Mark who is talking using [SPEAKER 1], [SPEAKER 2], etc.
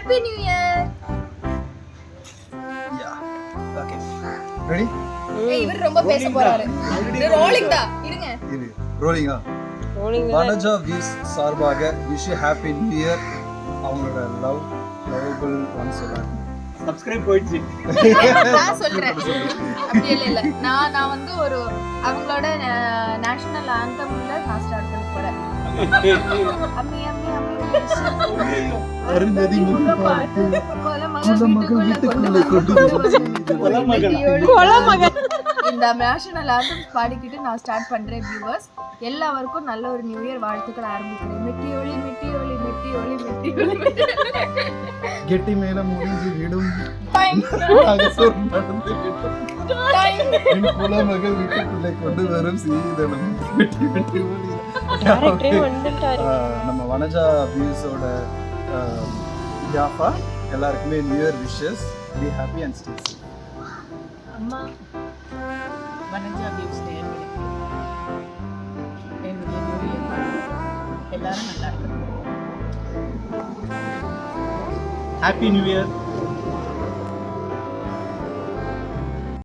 [SPEAKER 1] Happy new year.
[SPEAKER 2] Okay ready
[SPEAKER 1] இவர் ரொம்ப பேச போறாரு. ரோலிங் தான் இருங்க.
[SPEAKER 2] இது ரோலிங்கா வனஜா வியூஸ் சார்பாக விஷ் ஹாப்பி நியூ இயர். அவங்களோட லவபிள் ஒன்ஸ் எல்லாரும்
[SPEAKER 3] சப்ஸ்கிரைப் போயிடுச்சு.
[SPEAKER 1] நான் சொல்றேன். அப்படி இல்ல நான் வந்து ஒரு அவங்களோட நேஷனல் ஆந்தம்ல நான் ஸ்டார்ட் பண்ண போறேன். அம்மி அம்மி அம்மி
[SPEAKER 2] அருந்ததி முகப்பாட்டு
[SPEAKER 1] கொலமகள் வீட்டுக்குள்ள
[SPEAKER 3] கொலமகள்.
[SPEAKER 1] இந்த நேஷனல் ஆந்தம் பாடிக்கிட்டு நான் ஸ்டார்ட் பண்றேன். வியூவர்ஸ் எல்லாருக்கும் நல்ல ஒரு நியூ இயர் வாழ்த்துக்கள் ஆரம்பிக்கிறேன். மெட்டி ஒளி மெட்டி ஒளி மெட்டி ஒளி மெட்டி ஒளி
[SPEAKER 2] கெட்டி மேல முடிஞ்சு விடும்
[SPEAKER 1] டைம்
[SPEAKER 2] அகசூர் நடந்து விடும் என் குலமகள் வீட்டுக்குள்ளே கொண்டு வரும் சீதனம் வெட்டி வெட்டி ஓடி. நம்ம வனஜா வியூஸோட யாஃபா எல்லாருக்குமே new year wishes. Be happy and stay safe.
[SPEAKER 4] அம்மா வனஜா வியூஸ் நேயர்களுக்கு என்னுடைய நியூ இயர் வாழ்த்துக்கள். எல்லாரும் நல்லா இருக்கணும்.
[SPEAKER 3] Happy new year.